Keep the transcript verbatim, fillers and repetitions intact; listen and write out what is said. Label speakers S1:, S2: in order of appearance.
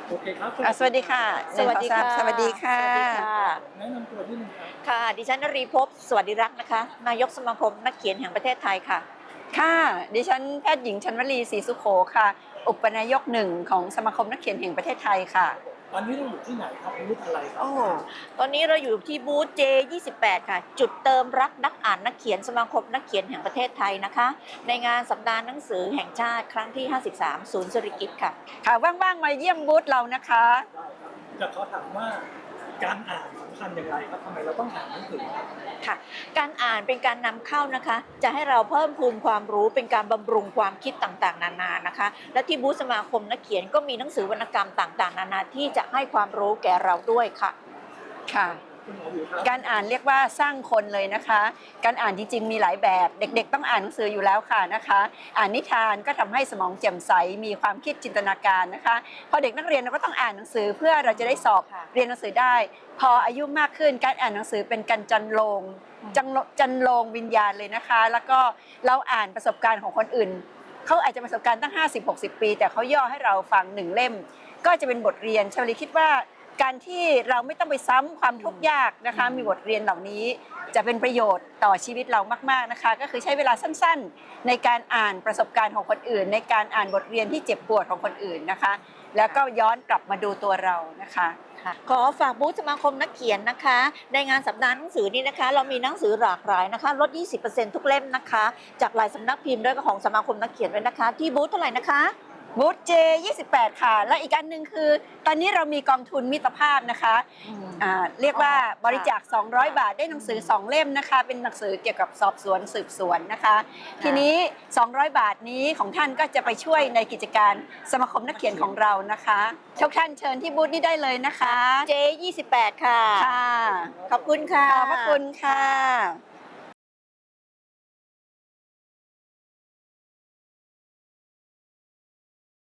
S1: โอเคครับ
S2: อ่ะสวัสดีค่ะ
S3: สวัสดีค่ะ
S2: สวัสดีค่ะ
S3: สวัสดีค่ะ
S1: แนะนำตัวนิดนึงครับ
S3: ค่ะ ดิฉันนรีภพสวัสดิรักษ์นะคะ นายกสมาคมนักเขียนแห่งประเทศไทยค่ะ
S2: ค่ะ ดิฉันแพทย์หญิงชันวลีศรีสุโขค่ะ อุปนายกหนึ่งของสมาคมนักเขียนแห่งประเทศไทยค่ะ
S1: ตอนนี้เราอยู่ที่ไหนครับบูธอะไรครับ
S3: โอ้ ตอนนี้เราอยู่ที่บูธ เจ ยี่สิบแปด ค่ะ จุดเติมรักนักอ่านนักเขียนสมาคมนักเขียนแห่งประเทศไทยนะคะ ในงานสัปดาห์หนังสือแห่งชาติครั้งที่ ห้าสิบสาม ศูนย์สิริกิติ์ค่ะ
S2: ค่ะ ว่างๆ มาเยี่ยมบูธเรานะคะ
S1: จะขอถามว่าการอ่านสำคัญอย่างไรครับทำไมเราต้องอ่านหนังสือครับ
S3: ค่ะ การอ่านเป็นการนำเข้านะคะ จะให้เราเพิ่มพูนความรู้เป็นการบำรุงความคิดต่างๆ นานานะคะ และที่บูธสมาคมนักเขียนก็มีหนังสือวรรณกรรมต่างๆ นานาที่จะให้ความรู้แก่เราด้วยค่ะ
S2: ค่ะ
S1: คุณหมออยู่ครับ
S2: การอ่านเรียกว่าสร้างคนเลยนะคะ การอ่านจริงๆมีหลายแบบ เด็กๆต้องอ่านหนังสืออยู่แล้วค่ะนะคะ อ่านนิทานก็ทำให้สมองแจ่มใส มีความคิดจินตนาการนะคะ พอเด็กนักเรียนเราก็ต้องอ่านหนังสือเพื่อเราจะได้สอบ
S3: ค่ะ
S2: เรียนหนังสือได้ พออายุมากขึ้นการอ่านหนังสือเป็นการจันโลงจันโลจันโลงวิญญาณเลยนะคะ แล้วก็เราอ่านประสบการณ์ของคนอื่น เขาอาจจะประสบการณ์ตั้ง ห้าสิบหกสิบ ปี แต่เขาย่อให้เราฟังหนึ่งเล่ม ก็จะเป็นบทเรียนชวลีคิดว่าการที่เราไม่ต้องไปซ้ำความทุกข์ยากนะคะ มีบทเรียนเหล่านี้จะเป็นประโยชน์ต่อชีวิตเรามากๆนะคะ ก็คือใช้เวลาสั้นๆ ในการอ่านประสบการณ์ของคนอื่น ในการอ่านบทเรียนที่เจ็บปวดของคนอื่นนะคะ แล้วก็ย้อนกลับมาดูตัวเรานะคะ
S3: ค่ะขอฝากบูธสมาคมนักเขียนนะคะ ในงานสัปดาห์หนังสือนี้นะคะ เรามีหนังสือหลากหลายนะคะลด ยี่สิบเปอร์เซ็นต์ ทุกเล่มนะคะ จากหลายสำนักพิมพ์ด้วยก็ของสมาคมนักเขียนด้วยนะคะ ที่บูธเท่าไหร่นะคะ
S2: บูธ เจ ยี่สิบแปด ค่ะ และอีกอันหนึ่งคือ ตอนนี้เรามีกองทุนมิตรภาพนะคะอ่าเรียกว่า
S3: อ๋อ
S2: บริจาค สองร้อย บาทได้หนังสือ สอง เล่มนะคะ เป็นหนังสือเกี่ยวกับสอบสวนสืบสวนนะคะ ทีนี้ สองร้อย บาทนี้ของท่านก็จะไปช่วยในกิจการสมาคมนักเขียนของเรานะคะทุกท่านเชิญที่บูธนี้ได้เลยนะคะ
S3: เจ ยี่สิบแปด ค่ะ
S2: ค่ะ
S3: ขอบคุณค่ะ
S2: ขอบพระคุณค่ะ